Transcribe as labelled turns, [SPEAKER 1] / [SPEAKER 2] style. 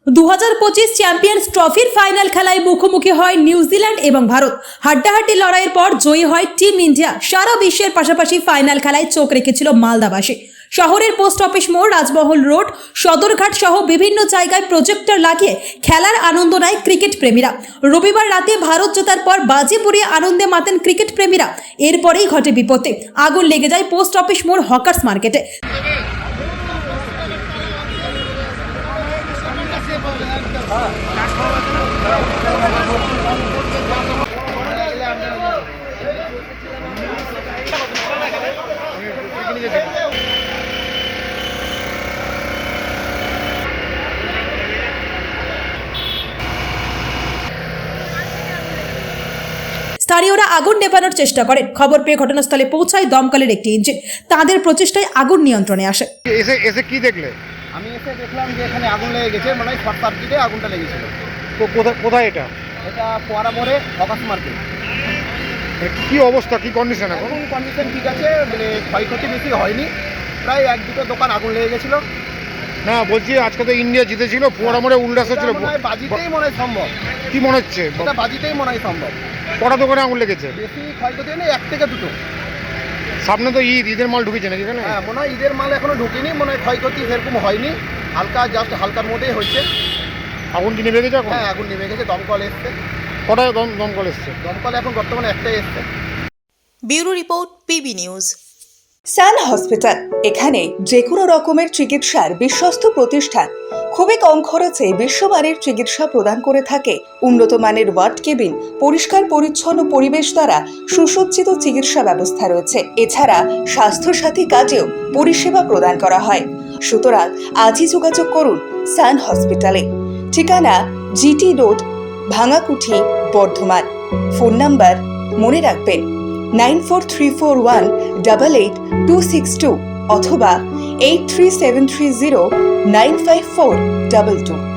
[SPEAKER 1] 2025 champions ট্রফির final খেলায় মুখোমুখি হয় নিউজিল্যান্ড এবং ভারত। হাড্ডাহাড্ডি লড়াইয়ের পর জয়ী হয় টিম ইন্ডিয়া। সারা বিশ্বের পাশাপাশি ফাইনাল খেলায় চোখ রেখেছিল মালদাবাসী। শহরের পোস্ট অফিস মোড়, রাজমহল রোড, সদরঘাট সহ বিভিন্ন জায়গায় প্রজেক্টর লাগিয়ে খেলার আনন্দ নেয় ক্রিকেট প্রেমীরা। রবিবার রাতে ভারত জেতার পর বাজি পুড়িয়ে আনন্দে মাতেন ক্রিকেট প্রেমীরা। এরপরেই ঘটে বিপত্তি। আগুন লেগে যায় পোস্ট অফিস মোড় হকার্স মার্কেটে। স্থানীয়রা আগুন নেভানোর চেষ্টা করেন। খবর পেয়ে ঘটনাস্থলে পৌঁছায় দমকলের একটি ইঞ্জিন। তাদের প্রচেষ্টায় আগুন নিয়ন্ত্রণে আসে।
[SPEAKER 2] এসে কি দেখলে?
[SPEAKER 3] আমি এসে দেখলাম যে এখানে আগুন লেগে গেছে, মানে শর্ট সার্কিটে আগুনটা লেগেছিল।
[SPEAKER 2] তো কোথায় এটা?
[SPEAKER 3] এটা পোয়ারা মোড়ে হকার্স মার্কেট।
[SPEAKER 2] কি অবস্থা, কি কন্ডিশন এখন?
[SPEAKER 3] কন্ডিশন ঠিক আছে, মানে ক্ষয়ক্ষতি বেশি হয়নি। প্রায় এক দুটো দোকান আগুন লেগে গেছিলো।
[SPEAKER 2] না, বলছি আজকে তো ইন্ডিয়া জিতেছিল, পোয়ারা মোড়ে উল্লাস হচ্ছিল।
[SPEAKER 3] বাজিতেই মনে হয় সম্ভব।
[SPEAKER 2] কি মনে হচ্ছে?
[SPEAKER 3] এটা বাজিতেই মনে হয় সম্ভব।
[SPEAKER 2] কটা দোকানে আগুন লেগেছে?
[SPEAKER 3] বেশি ক্ষয়ক্ষতি নেই, এক থেকে দুটো।
[SPEAKER 2] সামনে তো ঈদের মাল ঢুকেছে নাকি এখানে?
[SPEAKER 3] হ্যাঁ, মনে হয় ঈদের মাল এখনো ঢুকেনি, মনে হয় ক্ষয়ক্ষতি সেরকম হয়নি। হালকা, জাস্ট হালকার মধ্যেই হয়েছে।
[SPEAKER 2] আগুন কি নেমে গেছে এখন?
[SPEAKER 3] হ্যাঁ, আগুন নেমে গেছে। দমকল এসছে।
[SPEAKER 2] কটায় দমকল এসছে?
[SPEAKER 3] দমকল এখন বর্তমানে একটাই এসছে।
[SPEAKER 4] Bureau report, PB news.
[SPEAKER 5] Sun hospital, এখানে যে কোনো রকমের চিকিৎসার বিশ্বস্ত প্রতিষ্ঠান। খুবই কম খরচে বিশ্বমানের চিকিৎসা প্রদান করে থাকে। উন্নত মানের ওয়ার্ড কেবিন, পরিষ্কার পরিচ্ছন্ন পরিবেশ দ্বারা সুসজ্জিত চিকিৎসা ব্যবস্থা রয়েছে। এছাড়া স্বাস্থ্যসাথী কাজেও পরিষেবা প্রদান করা হয়। সুতরাং আজই যোগাযোগ করুন সান হসপিটালে। ঠিকানা GT road, Bhangakuthi, Bardhaman. Phone number মনে রাখবেন 9434188262 অথবা 83730954222।